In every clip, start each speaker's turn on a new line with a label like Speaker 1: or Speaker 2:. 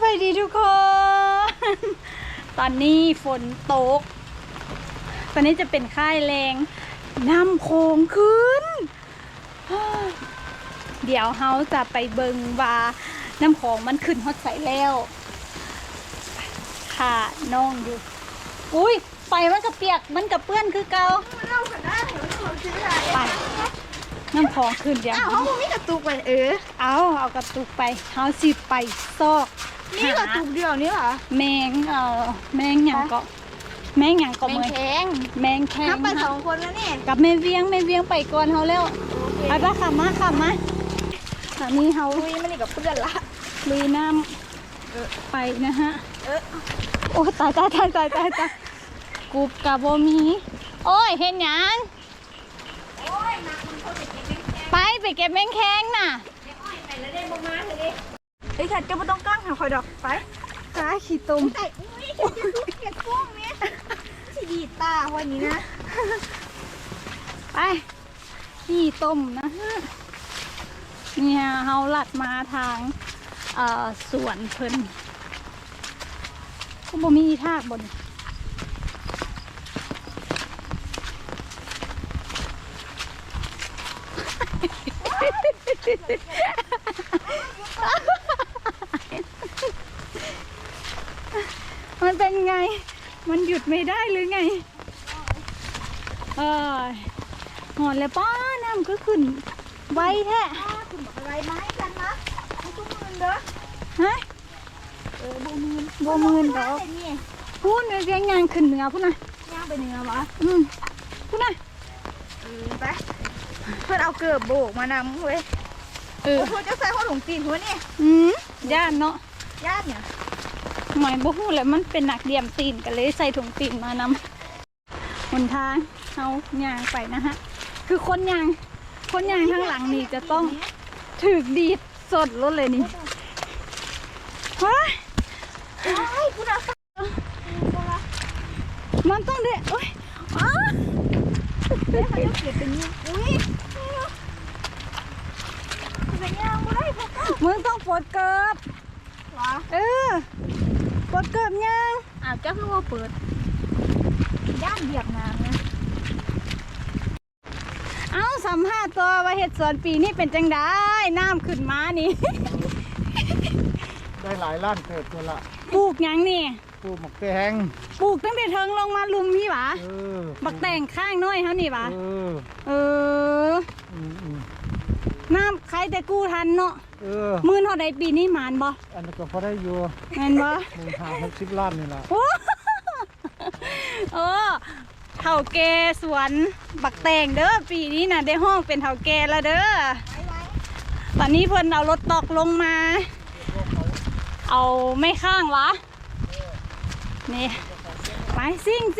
Speaker 1: วัสดีทุกคนตอนนี้ฝนตกตอนนี้จะเป็นค่ายแรงน้ำโขงขึ้นเดี๋ยวเฮาจะไปเบิงว่าน้ำโขงมันขึ้นฮอดใสแล้วค่ะน้องอยู่อุ้ยไปมันกระเปียกมันกระเปื้อนคือเก่าไปน้ำโขงขึ้นเดี๋ยว
Speaker 2: เขาไม่กระตุกไป
Speaker 1: เอากระตุกไปเฮาสิไปซอก
Speaker 2: นี่กระตุกเดียวนี่เหรอ
Speaker 1: แมงแมงหยังก็แมงหยังก็
Speaker 2: แมงแข็ง
Speaker 1: แมงแข็ง
Speaker 2: ไป2 คนแล้วนี่
Speaker 1: กับแม่เวียงไปก่อนเฮาแล้วไปปะขับมาตอนนี้เฮา
Speaker 2: ลุยมันนี่กับเพื่อนละ
Speaker 1: ลุยน้ำไปนะฮะโอ้ตายกูบกับโบมีโอ้ยเห็นหยังไปเก็บแมงแข็งน่ะ
Speaker 2: ไอ้ขัดจะไม่ต้องกั้งหาคอยดอกไป
Speaker 1: จ้าขี้ตุ่ม
Speaker 2: แต่อุ้ยเก็บกุ้งเนี่ยสีดีตาวันนี้นะ
Speaker 1: ไปขี้ต้มนะฮะเนี่ยเฮาลัดมาทางสวนเพิ่นก็บ่มีทากบนมันเป็นไงมันหยุดไม่ได้หรือไงหอนแล้วป้าน้ำก็ขึ้นไวแท้
Speaker 2: ขึ้นอะไรไหมกันนะไม่ตุ้มมือเด้อ
Speaker 1: ฮะโบมืนดอกพูดเรียงงานขึ้นเหนือพูดนะ
Speaker 2: ย่างไปเหนือวะ
Speaker 1: พูดนะ
Speaker 2: ไปเพื่อนเอาเกือบโบกมานำเว้ยเพื่อนจะใส่ข้าวถุงตีนหัวนี่
Speaker 1: ย่านเนาะ
Speaker 2: ย่านเนี่ย
Speaker 1: หมายบ่ฮู้แหละมันเป็นหนักเดี่ยมตีนกันเลยใส่ถุงตีนมานำหนทางเอาย่างไปนะฮะคือคนย่างข้างหลังนี่จะต้องถึกดีดสดรถเลยนี่ว้ายมันต้องเด็ดโอ้ย
Speaker 2: เดี๋ยวเขาจะเก็บเป็นอุ้ยเป็นยังไงได้พ่อ
Speaker 1: มึงต้องปลดเกิบปลดเกิบยัง
Speaker 2: เจ้าคือว่าเปิดย่านเหยียบน้ำนะ
Speaker 1: เอาสัมภาษณ์ตัวว่าเห็ดสวนปีนี้เป็นจังได้น้ำขึ้นมานี่
Speaker 3: ได้หลายล้านเกิดตัวละ
Speaker 1: ปลูกยังนี่
Speaker 3: ปลูกหมกแตง
Speaker 1: ปลูกตั้งแต่เทิงลงมาลุมพี่หวะบักแตงข้างน้อยเขานี่หวะน้ำใครแต่กู้ทันเนาะมื่นเท่าใดปีนี้หมานบ่
Speaker 3: อันนี้ก็พอได้อยู่
Speaker 1: แม่นบ่
Speaker 3: 50 ล้านนี่แหละ
Speaker 1: เท่าแก่สวนบักแตงเด้อปีนี้น่ะได้ห้องเป็นเท่าแก่แล้วเด้อตอนนี้เพิ่นเอารถตอกลงมาเอาไม่ข้างวะนี่ไปซิ่ง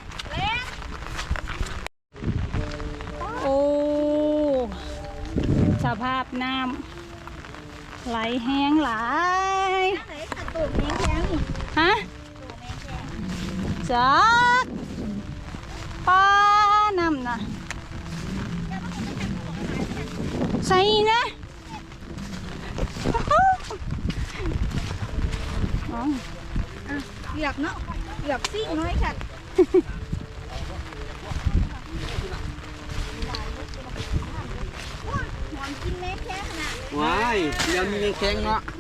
Speaker 1: โอ้สภาพน้ำไหลแห้งหลายฮะจักป้าน้ำนะใส่นะ
Speaker 2: เหยียบเนาะเหยียบซิ่งน้อยค่ะหอมกินแม่แข้งนะ
Speaker 3: ว้ายเดี๋ยวมีแมงแข้งเนาะ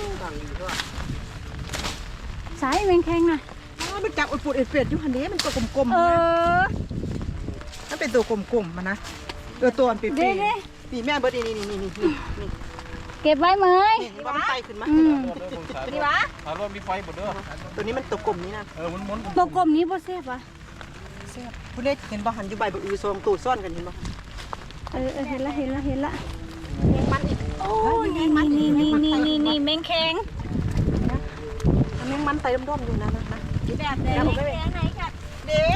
Speaker 1: สายแมงแข้งนะ
Speaker 2: มันจับอุดปูดเอ็ดอยู่คันนี้มันตัวกลมๆมันเป็นตัวกลมๆมันนะตัวมันปีแม่เบิร์ดนี่
Speaker 1: เก็บไว้ไหม
Speaker 2: ว่ามันไตขึ้นมาดีวะ
Speaker 3: รถมีไฟหมดเด้อ
Speaker 2: ตัวนี้มันตัวกลมนี้นะ
Speaker 3: มัน
Speaker 1: ตัวกลมนี้บ่เซฟวะ
Speaker 2: ผู้เล่นเห็นบ่หันอยู่ใบบ่อือซองตูซ่อนกันเห็นบ่
Speaker 1: เห็นละ
Speaker 2: มัน
Speaker 1: โอ้นี่แมงแข็ง
Speaker 2: แมงมันไตร่มๆอยู่นะแบบแดงไหนค่ะเด้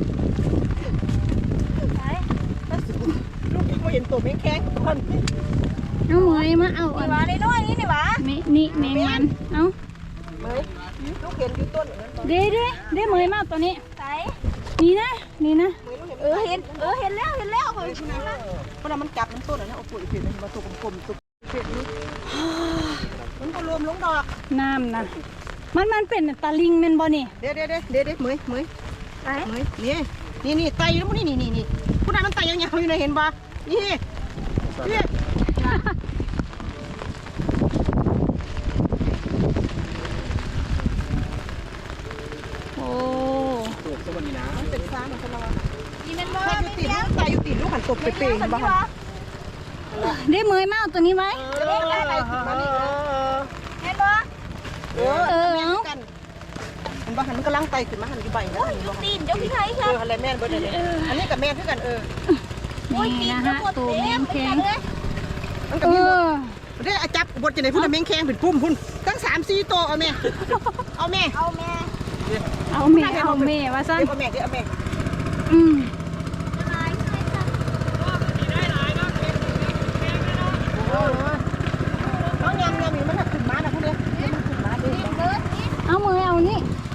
Speaker 2: ลูกเขาเห็นตัวแมงแข้งคน
Speaker 1: เอาเหมยมาเอา
Speaker 2: อันนี้น้อยนี่หวะ
Speaker 1: นี่แมงมันเอา
Speaker 2: เหมยลูกเห็นอยู่ต้น
Speaker 1: เด้เหมยมาตัวนี้นี่นะ
Speaker 2: เห็นแล้วเพราะมันจับมันต้นนะโอ้โหเห็นมันตัวกลมๆตัวเห็นมันก็รวมมลงดอก
Speaker 1: น้ำนะมันเป็นตะลิงแม่นบ่นี่
Speaker 2: เดี๋ยวเหมย
Speaker 1: ไป
Speaker 2: นี่ไตอยู่แล้วนี่ผู้นั้นมันไตยาวๆอยู่นะเห็นปะนี่
Speaker 1: โอ้
Speaker 3: โอ้สวัสดีนะ
Speaker 2: มันเป็นฟ้ามันจะรอ
Speaker 1: นี่แม่นบ่
Speaker 2: ถ้าอยู่ตีนมันไตอยู่ตีนลูกหันตบไปเปย์บ้าง
Speaker 1: ได้เมยมาเอาตัวนี้ไว้
Speaker 2: เห็นปะกันมันบ้าหันมันกำลังไตขึ้นมาหันอยู่ใบนะ
Speaker 1: ตีนเจ้าพี่ไทยค่ะ
Speaker 2: อะไรแม่นเบิร์ดเลยอันนี้กับแม่คือกัน
Speaker 1: นี่นะฮะตัวแมงแข็ง
Speaker 2: มันกับมีได้จับบทจะไหนพุ่นแมงแข็งเป็นปุ่มพุ่นตั้ง3-4ตัวเอาแม่
Speaker 1: ว่าซั่น
Speaker 2: เอาแม่
Speaker 1: อืม
Speaker 2: น้องยำมีมันขึ้นมานะพวกนี้มันขึ้นมาดิ
Speaker 1: เอามือเอานี่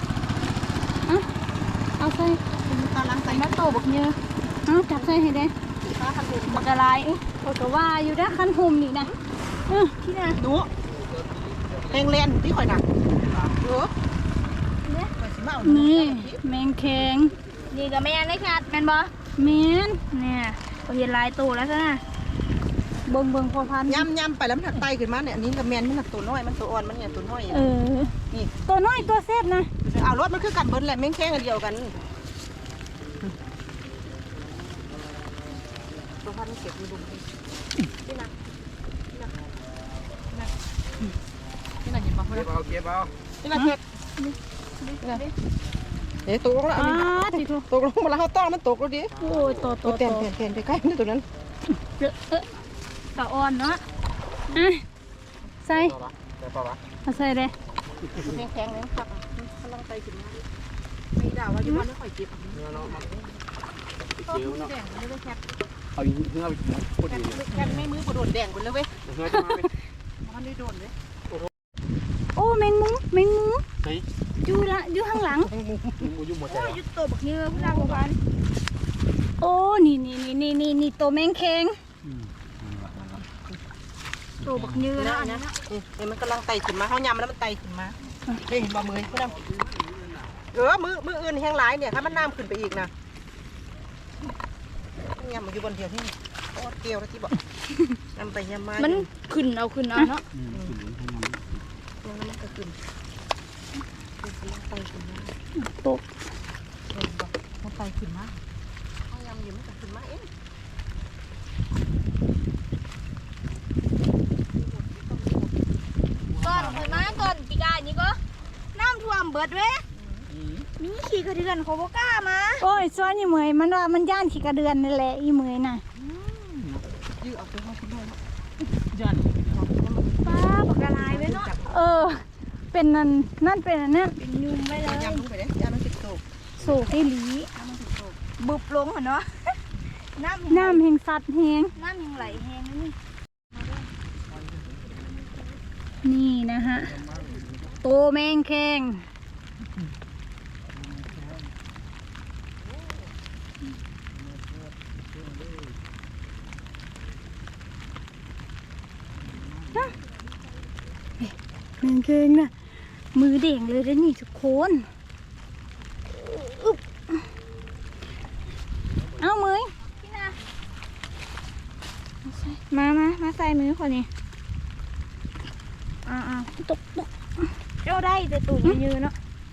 Speaker 1: เอาใส่
Speaker 2: ตาลังไต
Speaker 1: มาโตบักเยอะเอาจับใส่ให้ได้บักอะไรเขาก็ว่าอยู่ด้านคันหุ่มนี่นะที่น่ะ
Speaker 2: ดูแหงเลนที่ข่อยน่ะดู
Speaker 1: นี่แมงแข็งนี่กับแมงได้ค่ะแมนบ่แมนเนี่ยเขาเห็นลายตัวแล้วซะนะเบิ่งพอพัน
Speaker 2: ยำไปแล้วมันถักไตขึ้นมาเนี่ยอันนี้กับแมนมันตัวน้อยมันตัวอ่อนมันเนี่ยตัวน้อยนี่
Speaker 1: ตัวน้อยตัวเซฟนะ
Speaker 2: เอารถมันคือกันเบิ้ลแหละแมงแข้งอันเดียวกันตัวพันเก็บดูดูนี่นะเห็นป่ะ
Speaker 3: เก็บเอา
Speaker 2: นี่นะเพชรตกลงแล้วตกลงมาแล้วเขาต้องมันตกแล้วดิ
Speaker 1: โอ้ยตัว
Speaker 2: เต้นไปใกล้นี่ตัวนั้น
Speaker 1: ตะอ่อนเนาะใส่เอาใส่เลย
Speaker 2: แข็งเลยครับกำลังไตขึ้นมาไม่ด่าว่าอยู่บ้านไม่ค่อยเจ็บ
Speaker 3: เอาเนื้อไปพูดดี
Speaker 2: แค่ไม่มือกระโดดแดงไปเลยเว้ย
Speaker 3: เนื้อจะมาไหม
Speaker 2: มันได้โดนเลย
Speaker 1: โอ้แมงมุม
Speaker 3: เฮ้ย
Speaker 1: อยู่ข้างหลัง
Speaker 3: มูยุ่งหมดใจ
Speaker 2: ยุดตัวบักเนื้อพี่นางบัวบาน
Speaker 1: โอ้นี่ตัวแมงแข็งตัวบักยือแล้วอันนี้
Speaker 2: นี่มันกำลังไตขึ้นมาเขายำแล้วมันไตขึ้นมาเห็นบ่มือพี่นางมืออื่นแห้งหลายเนี่ยถ้ามันน้ำขึ้นไปอีกนะยำมันอยู่บนเดียวที่โอ้เกลียวแล้วที่บอกยำไปยำมา
Speaker 1: มันขึ้นเอาเนาะ
Speaker 2: แล้วมันก็ขึ้นไตขึ้นมา
Speaker 1: ตก
Speaker 2: มันไตขึ้นมาเขายำอยู่มันก็ขึ้นมาเอง
Speaker 4: ก่อนเคยมาก่อนปีกายนี่ก็น้ำท่วมเบิดเว้ยมีขี่กระเดือนเขาบ่กล้ามา
Speaker 1: โอ้ยซ้อนอีเหมยมันว่ามันย่านขี้กระเดือนนั่นแหละอีเหมยน่ะ
Speaker 2: ยื้อเอาไปห้องคุณด้วย
Speaker 4: ป้าปากกาลายไว้เนาะ
Speaker 1: เป็นนั่นเป็นอันนั้น
Speaker 4: เป็นยุงไว้เลย
Speaker 2: ยำลงไปเลยยำมันติดโต
Speaker 1: โศกให้หลี
Speaker 4: บุบลงเหรอเนาะน้ำ
Speaker 1: น้ำแห่งสัตว์แห่ง
Speaker 4: น้ำยังไหลแห้งนี่
Speaker 1: นี่นะฮะโตแมงแข็งแมงแข็งน่ะมือเด่งเลยเด้อนี่ทุกคนเอามือ
Speaker 4: พี่นา
Speaker 1: มาใส่มือคนนี้ตก
Speaker 4: เจ้าได้แต่ตุ่มยืนเนาะ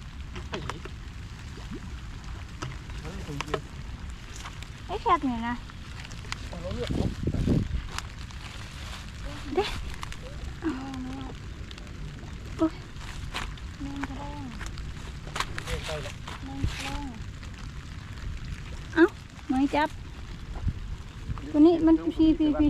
Speaker 1: ไอ้แคบเนี่ยนะเด้ไม่จับตัวนี้มันพี่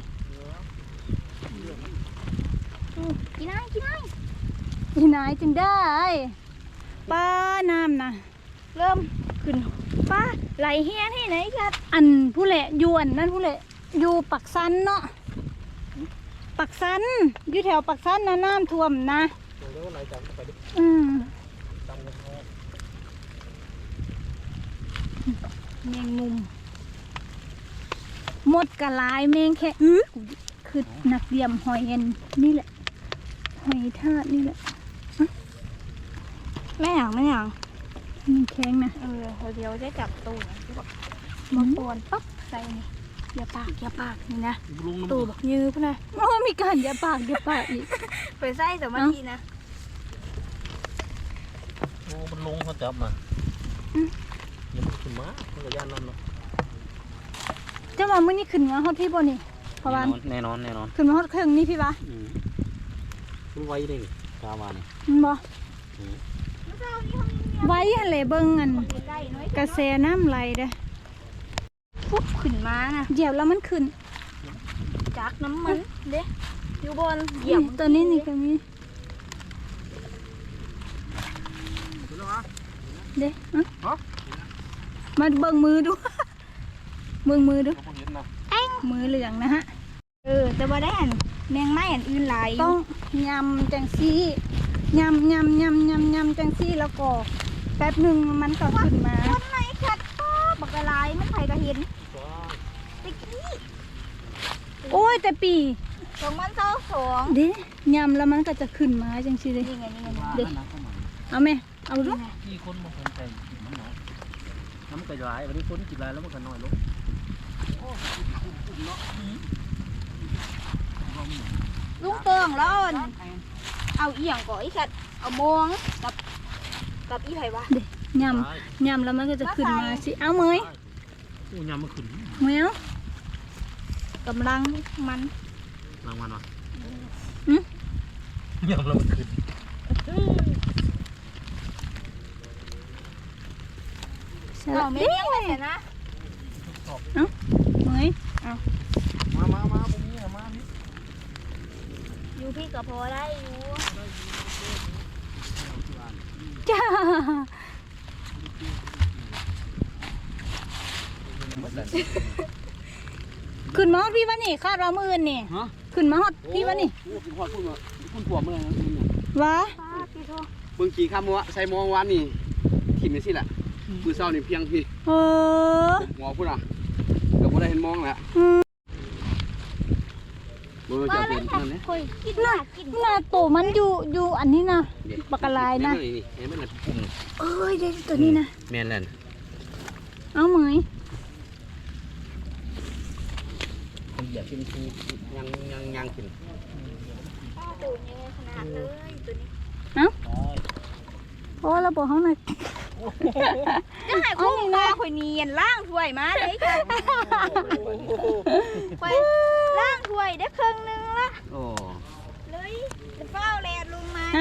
Speaker 4: กินได้
Speaker 1: ที่ไหนจึงได้ป้าน้ำนะ
Speaker 4: เริ่มขึ้นป้าไหลแห้งให้ไหนครับ
Speaker 1: อันผู้แหละยวนนั่นผู้แหละอยู่ปักสันเนาะปักสันอยู่แถวปักสันนะน้ำท่วมนะแมงมุมหมดกะลายแมงแค่คือนักเดี่ยมหอยเอ็นนี่แหละหอยทากนี่แหละ
Speaker 4: ไม่หยังไม่หยัง
Speaker 1: มันแข็งนะ
Speaker 4: เดี๋ยวจะจับตู้ที่บอก
Speaker 1: อื
Speaker 4: บอ
Speaker 1: ม
Speaker 4: กตัวปั๊บใส่นี่อย่าปากนี่นะ
Speaker 3: ลุง
Speaker 4: ตู้บักยือพุ่นนะ
Speaker 1: โอ้ยมีการอย่าปากอีก
Speaker 4: ไปใส่แต่มาทีนะ
Speaker 3: โอ้มันลงเขาจับมายังไม่ขึ้นมาเขาก็ย่านนั่นเนาะ
Speaker 1: เจ้าว่ามื้อนี้ขึ้นมาฮอดพี่บ่นี่เพราะว่า
Speaker 3: แน่นอน
Speaker 1: ขึ้นมาฮอดเครื่องนี่พี่วะ
Speaker 3: มันไวเลยกาวานี่
Speaker 1: มันบ่ไว้หั่นแหละเบิ่งอัน
Speaker 4: ใกล้ๆน้อย
Speaker 1: กระแสน้ำไหลเด้อ
Speaker 4: ปุ๊บขึ้นมานะ
Speaker 1: เหยียบแล้วมันขึ้น
Speaker 4: จากน้ำมันเด้อยู่บนเหยียบ
Speaker 1: ตัวนี้นี่ก็มีเด้อะมาเบิ่งมือดู เบิ่งมือดู
Speaker 3: เขาเห็นนะ
Speaker 1: มือเหลืองนะฮะ
Speaker 4: แต่ว่าได้อันแมงไม้อันอื่นหลาย
Speaker 1: ต้องยำจังซี่ยำจังซี่แล้วก็แป๊บหนึ่งมันก็ขึ้นมา
Speaker 4: คนไหนขัดบักกะลายมันไผก็เห็นตะกี้
Speaker 1: โอ้ยแต่ปี
Speaker 4: 2022
Speaker 1: เด้ยำแล้วมันก็จะขึ้นมาจังซี่เลย
Speaker 4: นี่ไง
Speaker 1: เด้เอาไหมเอาดู
Speaker 3: ที่คนมาคนใจกินมันน้อยน้ำก็จะร้ายวันนี้คนกินร้ายแล้วมันก็น้อยลง
Speaker 4: ลุงเติงแล้วเอาอีหยังก่ออีขัดเอามองกับอีไผวะ
Speaker 1: เด้ยำแล้วมันก็จะขึ้นมาสิเอาเมย
Speaker 3: โอ้ยำมันขึ้น
Speaker 1: เมยเอา
Speaker 4: กำลังมัน
Speaker 3: รางวัลวะ
Speaker 1: อืม
Speaker 3: ยำแล้วมันขึ้น
Speaker 4: เอาไม่เลี้ยงเลยนะ
Speaker 1: เมย
Speaker 3: มาพวกนี้มานี่
Speaker 4: อยู่พี่ก็พอได้อยู่
Speaker 1: จ้าขึ้นมาฮอดพี่วะนี่คาดว่ามื้ออื่นนี่
Speaker 3: ฮะ
Speaker 1: ขึ้นมาฮอดพี่วะนี่
Speaker 3: โอ้คุณพ่อพูดมาคุณผัวเมื่อไหร่นะ
Speaker 1: วะ
Speaker 4: ป้าพี่โท
Speaker 3: เบิ่งกี่คำวะใส่มองวันนี่ทีมนี่สิแหละมือเศร้านี่เพียงพี่
Speaker 1: เออ
Speaker 3: หัวพูดอ่ะเกือบไม่ได้เห็นมองแหละ
Speaker 1: อืม
Speaker 3: เบิ่งจะเป็นนั่นนี่
Speaker 4: คุยกินหน้ากิน
Speaker 1: หน้าโตมันอยู่อันนี้นะปากกาลายนะ
Speaker 3: นี่เห็นไหมล่ะปุ่ม
Speaker 1: เอ้ยเด็กตัวนี้นะ
Speaker 3: แม่นแล้ว
Speaker 1: เอาเหมย
Speaker 3: มันเหยียบกินทียังกิน
Speaker 4: ป้าตูนยังไงขนาดเลยตัวนี้
Speaker 1: เพราะว่าเราบอกเขาหน่อย
Speaker 4: จะหายคุ้มคอคุยเนียนล่างถ้วยมาเลยจ้ะคุยล่างถ้วยได้ครึ่งนึงละ
Speaker 3: โอ้
Speaker 4: เลยเฝ้าแลนลงมา
Speaker 1: เอา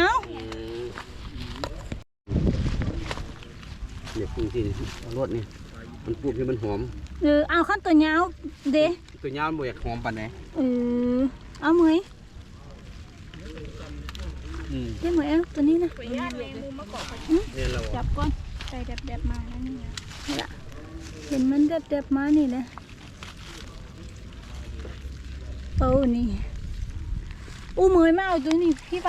Speaker 3: เดี๋ยวปุ่มที่รถนี่มันปุ่มที่มันหอม
Speaker 1: เอาขั้นตัวยาวเด้
Speaker 3: ตัวยาวมันบ่อยากหอมปานไหน
Speaker 1: เอาเหมย
Speaker 3: อืม
Speaker 1: เด้เหมยเอาตัวนี้นะ
Speaker 4: คุยญาติแมงมุมมาเกาะ
Speaker 3: เรียนเรา
Speaker 1: จับก่อน
Speaker 4: ใส่แดบๆมาแล้วนี่
Speaker 1: เห็นมันเด็บๆมานี่นะโอ้นี่อู้เหมยมาเอาตัวนี้พี่ไป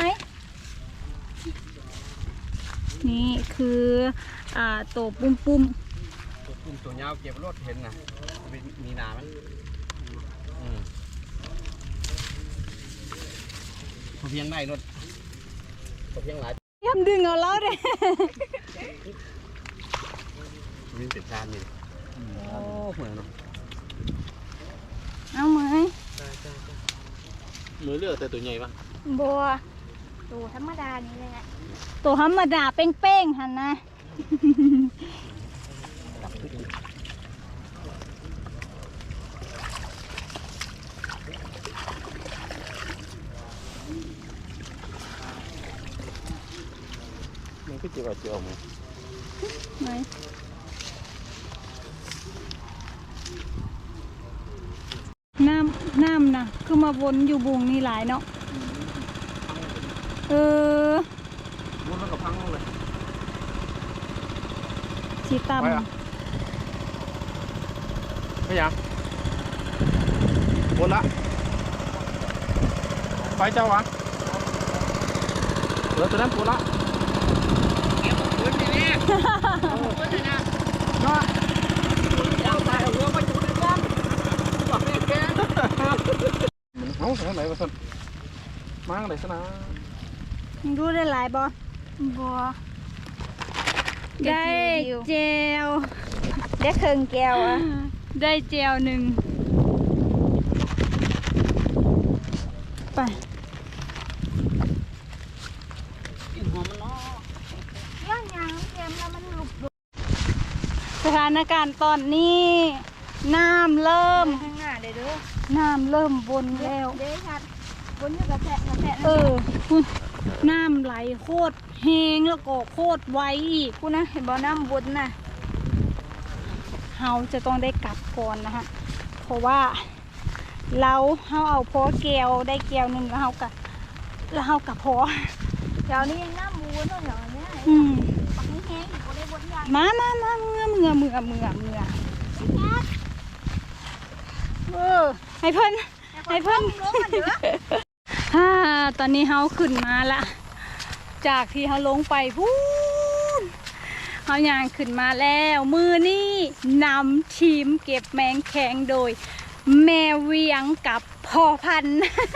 Speaker 1: นี่คือตัวปุ่ม
Speaker 3: ปุ่มตัวยาวเก็บรถเห็นนะมีหนามันพอเพียงได้รถพอเพียงหลาย
Speaker 1: ๆย่ำดึงเอาแล้วเด้
Speaker 3: มีติดชานนี่โอ้เหมือนเนาะ
Speaker 1: เอาเหมย
Speaker 3: มือเลือกแต่ตัวใหญ่ปะ
Speaker 4: บัวตัวธรรมดานี่เลยนะ
Speaker 1: ตัวธรรมดาเป้งๆหันนะ
Speaker 3: มันก็จะว่าจะออกมา
Speaker 1: ไหนน้ำนะคือมาวนอยู่บุงนี่หลายเนาะ
Speaker 3: วนแล้วก็พังเลย
Speaker 1: สีต
Speaker 3: ไปอ่ะไม่ยังวนละไปเจ้าวะตัวนั้นวนละเก็บปืนนี่ปืนนี่นะเนาะยาวตายหัวไปจุดเลยกันบอกแม่แกเอาทางไหนวะสันมาทางไหนสนะ
Speaker 1: ยังดูได้หลายบ่
Speaker 4: บัว
Speaker 1: ได้เจล
Speaker 4: ได้เครื่องแก้วอ่ะ
Speaker 1: ได้เจลหนึ่งไป
Speaker 3: กินหัวมันเนาะ
Speaker 4: ย่างยังแกมแล้วมันหลุด
Speaker 1: สถานการณ์ตอนนี้น้ำเริ่ม
Speaker 4: ข้างหน้าเด้อ
Speaker 1: น้ำเริ่มวนแล้ว
Speaker 4: เด้ชัดบนอยู่กระแทก
Speaker 1: น้ำไหลโคตรแหงแล้วก็โคตรไวอีก
Speaker 4: กูนะเห็นบ่อน้ำบนน่ะ
Speaker 1: เราจะต้องได้กลับก่อนนะฮะเพราะว่าเราเอาพอแก้วได้แก้วหนึ่งแล้วเรากับพอ
Speaker 4: แถวนี้ยังน้ำวนเนาะแถวเนี้ย
Speaker 1: อืม
Speaker 4: ปักนี้แห้งอยู่บ่ได้บนยาง
Speaker 1: มาเออให้เพิ่น
Speaker 4: ลงมาเด้อ
Speaker 1: ตอนนี้เฮาขึ้นมาละจากที่เฮาลงไปพูนเฮาย่างขึ้นมาแล้วมือนี่นำทีมเก็บแมงแข็งโดยแม่เวียงกับพ่อพันธุ์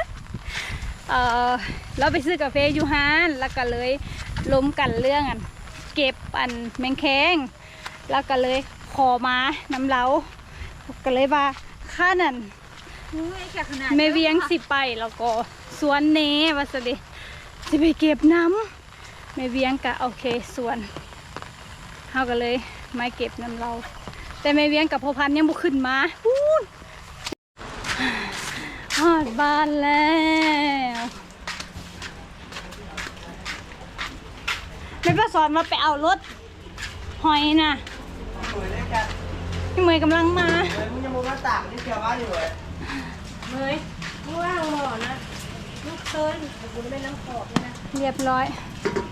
Speaker 1: เราไปซื้อกาแฟอยู่ฮานแล้วก็เลยล้มกันเรื่องอันเก็บอันแมงแข็งแล้วก็เลยขอมานำเราก็เลยว่าข้านั่น
Speaker 4: แค่ขนาด
Speaker 1: แม่เวียงสิไปแล้วก็สวนเนว่าสดิจะไปเก็บน้ำแม่เวียงก็โอเคสวนเขาก็เลยมาเก็บน้ำเรา แต่แม่เวียงกับพ่อพันธุ์ยังบุขึ้นมาพูนฮอดบ้านแล้วแม่ประสอนมาไปเอารถหอยน่ะพี่เมย์กำลังมา
Speaker 2: มึงยังมึงมาตากนี่เกี่ยวว่าอยู่เลย
Speaker 1: เรียบร้อย